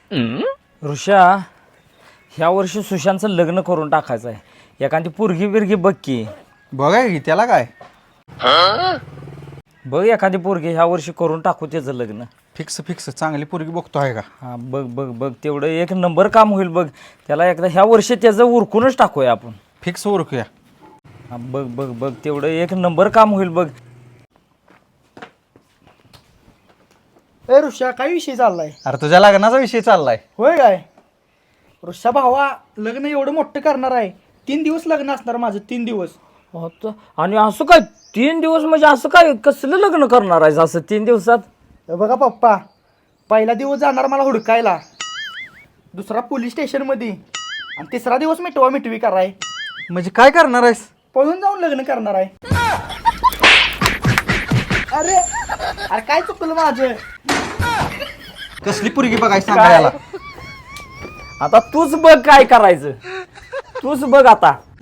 ऋषा, ह्या वर्षी सुशांतचं लग्न करून टाकायचं आहे. एखादी पोरगी बिरगी बघ की. बघाय की त्याला काय बघ एखादी पोरगी ह्या वर्षी करून टाकू त्याचं लग्न. फिक्स फिक्स चांगली पोरगी बघतो आहे का? हा बघ बघ बघ, तेवढं एक नंबर काम होईल बघ. त्याला एकदा ह्या वर्षी त्याचं उरकूनच टाकूया आपण. फिक्स ओळखूया. हा बघ बघ बघ, तेवढं एक नंबर काम होईल बघ. ए ऋषा, काय विषय चाललाय? अरे तुझ्या लग्नाचा विषय चाललाय. होय काय? ऋषा भावा, लग्न एवढं मोठं करणार आहे. 3 दिवस लग्न असणार माझं, 3 दिवस. आता आणि असं काय 3 दिवस म्हणजे असं काय कसलं लग्न करणार आहेस असं 3 दिवसात? हे बघा पप्पा, पहिला दिवस जाणार मला हुडकायला, दुसरा पोलीस स्टेशनमध्ये, आणि तिसरा दिवस मिटवा मिटवी कराय. म्हणजे काय करणार आहेस? पळून जाऊन लग्न करणार आहे. अरे अरे काय चुकलं माझं? कसली पोरगी बघायची सांगा याला. आता तूच बघ काय करायचं, तूच बघ आता.